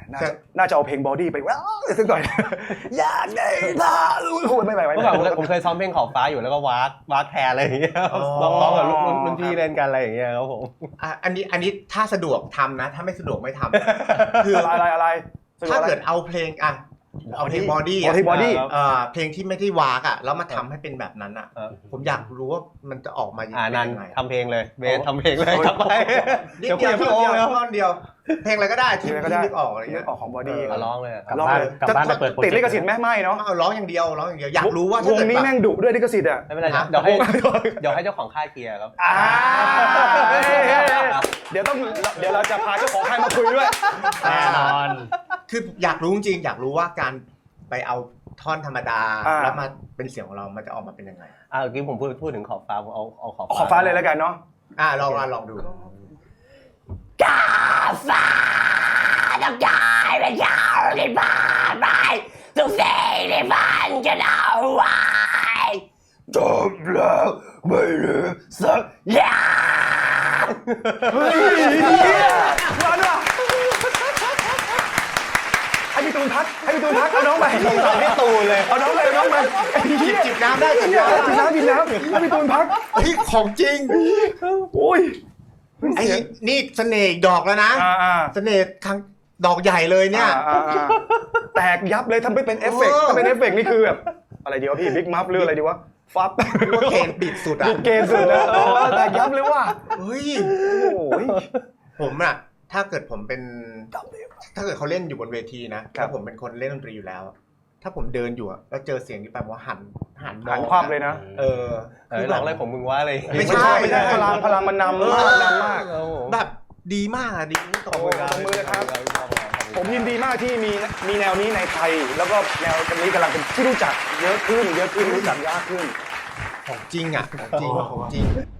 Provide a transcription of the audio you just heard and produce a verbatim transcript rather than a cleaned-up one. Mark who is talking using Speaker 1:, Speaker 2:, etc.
Speaker 1: น่าจะน่าจะเอาเพลงบอดี้ไปว้าวสักหน่อยอยากได้พาลุยโหไม่ไหวไม่
Speaker 2: เมื่อก่อนผมเคยซ้อมเพลงขอบฟ้าอยู่แล้วก็วากวากแทนอะไรอย่างเงี้ยร้องๆกับรุ่นพี่เล่นกันอะไรอย่างเงี้ยครับผม
Speaker 3: อันนี้อันนี้ถ้าสะดวกทำนะถ้าไม่สะดวกไม่ทำ
Speaker 1: คืออะไรอะไร
Speaker 3: ถ้าเกิดเอาเพลงอ่ะเอาเพลงบอดี้อ่ะเพลงที่ไม่ได้วากอ่ะแล้วมาทำให้เป็นแบบนั้นอ่ะผมอยากรู้ว่ามันจะออกมายังไง
Speaker 2: ทำเพลงเลยเบสทำเพลงเลยกลับไป
Speaker 3: เดี๋ยวเดียวพี่โอ้แล้วท่อนเดียวเพลงอะไรก็ได้ที่นึกออกอะไรเงี้ย
Speaker 1: ออกของบอดี้
Speaker 2: ร้องเลย
Speaker 1: ร้องเลยกลับบ้านไปเปิดติดลิขสิทธิ์ไหมไม่เนาะ
Speaker 3: ร้องอย่างเดียวร้องอย่างเดียวอยากรู้ว่าว
Speaker 1: งนี้แม่งดุด้วยลิขสิทธิ์อ่ะ
Speaker 2: ไม่เป็นไรเดี๋ยวให้เดี๋ยวให้เจ้าของค่ายเคลียร์ครับ
Speaker 1: เดี๋ยวต้องเดี๋ยวเราจะพาเจ้าของค่ายมาคุยด้วย
Speaker 2: แน่นอน
Speaker 3: คืออยากรู้จริงอยากรู้ว่าการไปเอาท่อนธรรมดาแล้วมาเป็นเสียงของเรามันจะออกมาเป็นยังไง
Speaker 2: อ่าเมื่อกี้ผมพูดพูดถึงขอบฟ้าผมเอาเอาขอบ
Speaker 1: ขอบฟ้าเลยแล้วกันเนาะ
Speaker 3: อ่าลองลองดู
Speaker 4: กาฟ้าต้องการเป็นยาวที่ผ่านไปทุกสิ่งที่ฝันจะเอาไว้จบแล้วไม่เหลือสักอย่าง
Speaker 1: เฮ้ยร้อนว่ะให้พี่ตูนพักให้พี่ตูนพักเอาน้องไป
Speaker 2: เอาพี่ตูนเลย
Speaker 1: เอาน้องไปน้องไป
Speaker 3: จิบจิบน้ำได้จิบน้ำ
Speaker 1: จิบน้ำจิบน้ำให้พี่ตูนพัก
Speaker 3: เฮ้ยของจริง
Speaker 1: โอ้ย
Speaker 3: ไอ้นี่เสน่ห์ดอกแล้วนะเสน่ห์ครั้งดอกใหญ่เลยเนี่ย
Speaker 1: แตกยับเลยทำไปเป็นเอฟเฟกต์ถ้าเป็นเอฟเฟกต์นี่คือแบบอะไรดีวะพี่บิ๊กมัฟหรืออะไรดีวะฟับ
Speaker 3: ว่าเกณฑ์ปิดสุดอ่ะ
Speaker 1: ปิดเกณฑ์สุดนะแตกยับเลยว่ะ
Speaker 3: เฮ้ยผมอ่ะถ้าเกิดผมเป็นถ้าเกิดเขาเล่นอยู่บนเวทีนะถ้าผมเป็นคนเล่นดนตรีอยู่แล้วถ้าผมเดินอยู่แล้วเจอเสียงนี้แปลว่าหันหัน
Speaker 1: หันคว่ำเลยนะ
Speaker 3: เออ
Speaker 2: คือร้องอะไรผมมึงว่าอะไร
Speaker 1: ไม่ใช่ไม่ใช่พลังพลังมันนำมากนำมาก
Speaker 3: แบบดีมากดี
Speaker 1: ตบมือตบมือเลยครับผมยินดีมากที่มีมีแนวนี้ในไทยแล้วก็แนวนี้กำลังเป็นที่รู้จักเยอะขึ้นเยอะขึ้นรู้จักยากขึ้น
Speaker 3: ของจริงอ่ะของจริงของจริง